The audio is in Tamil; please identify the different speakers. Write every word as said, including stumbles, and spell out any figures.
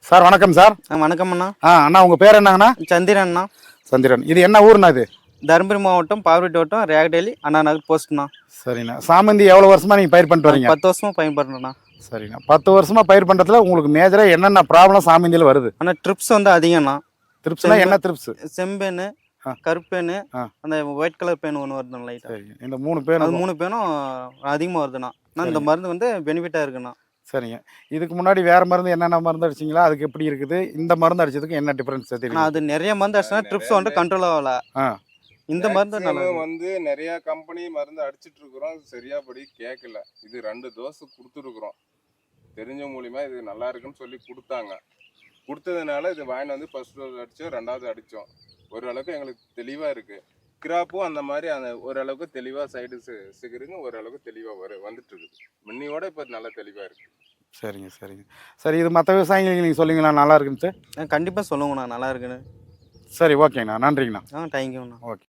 Speaker 1: சார் வணக்கம் சார்.
Speaker 2: ஆ வணக்கம் அண்ணா.
Speaker 1: ஆ அண்ணா உங்கள் பேர் என்னங்கண்ணா?
Speaker 2: சந்திரன் அண்ணா.
Speaker 1: சந்திரன். இது என்ன ஊர்ண்ணா இது?
Speaker 2: தருமபுரி மாவட்டம் பாவூர் வட்டம் ரேகடேலி அண்ணா நகர் போஸ்ட்ண்ணா.
Speaker 1: சரிண்ணா. சாமந்தி எவ்வளோ வருஷமா நீங்கள் பயிர் பண்ணிட்டு வரீங்க?
Speaker 2: பத்து வருஷமா பயன்படுறேண்ணா.
Speaker 1: சரிண்ணா. பத்து வருஷமா பயிர் பண்ணுறதுல உங்களுக்கு மேஜராக என்னென்ன ப்ராப்ளம் சாமந்தியில் வருது?
Speaker 2: ஆனால் ட்ரிப்ஸ் வந்து அதிகம்ண்ணா.
Speaker 1: ட்ரிப்ஸ்னா என்ன ட்ரிப்ஸ்?
Speaker 2: செம்பேனு, கருப்பேனு, அந்த ஒயிட் கலர் பேன் ஒன்று வருதுண்ணா லைட்டாக.
Speaker 1: சரி, இந்த மூணு பேன்
Speaker 2: அது மூணு பேனும் அதிகமாக வருதுண்ணா. ஆனால் இந்த மருந்து வந்து பெனிஃபிட்டாக இருக்குண்ணா.
Speaker 1: சரிங்க. இதுக்கு முன்னாடி வேறு மருந்து என்னென்ன மருந்து அடிச்சிங்களா? அதுக்கு எப்படி இருக்குது? இந்த மருந்து அடிச்சதுக்கு என்ன டிஃப்ரென்ஸ் தெரியும்?
Speaker 2: அது நிறைய மருந்து அடிச்சுனா ட்ரிப்ஸ் வந்து கண்ட்ரோல் ஆகல.
Speaker 1: ஆ
Speaker 2: இந்த மருந்து நல்லா
Speaker 3: வந்து நிறைய கம்பெனி மருந்து அடிச்சிட்டு இருக்கிறோம், சரியா படி கேட்கல. இது ரெண்டு டோஸ் கொடுத்துருக்குறோம், தெரிஞ்ச மூலியமா இது நல்லா இருக்குன்னு சொல்லி கொடுத்தாங்க. கொடுத்ததுனால இது வாங்கிட்டு வந்து ஃபர்ஸ்ட் டோஸ் அடித்தோம், ரெண்டாவது அடித்தோம். ஓரளவுக்கு எங்களுக்கு தெளிவாக இருக்குது. கிராப்பும் அந்த மாதிரி அந்த ஓரளவுக்கு தெளிவாக சைடு சிகருங்க ஓரளவுக்கு தெளிவாக வரு வந்துட்டு இருக்குது. முன்னியோட இப்போ நல்லா தெளிவாக இருக்குது.
Speaker 1: சரிங்க சரிங்க. சரி, இது மற்ற விவசாயிகளுக்கு நீங்கள் சொல்லுங்களா நல்லா இருக்குன்னு?
Speaker 2: கண்டிப்பாக சொல்லுங்கண்ணா நல்லா இருக்குன்னு.
Speaker 1: சரி, ஓகேங்கண்ணா. நன்றிங்கண்ணா.
Speaker 2: ஆ தேங்க்யூண்ணா.
Speaker 1: ஓகே.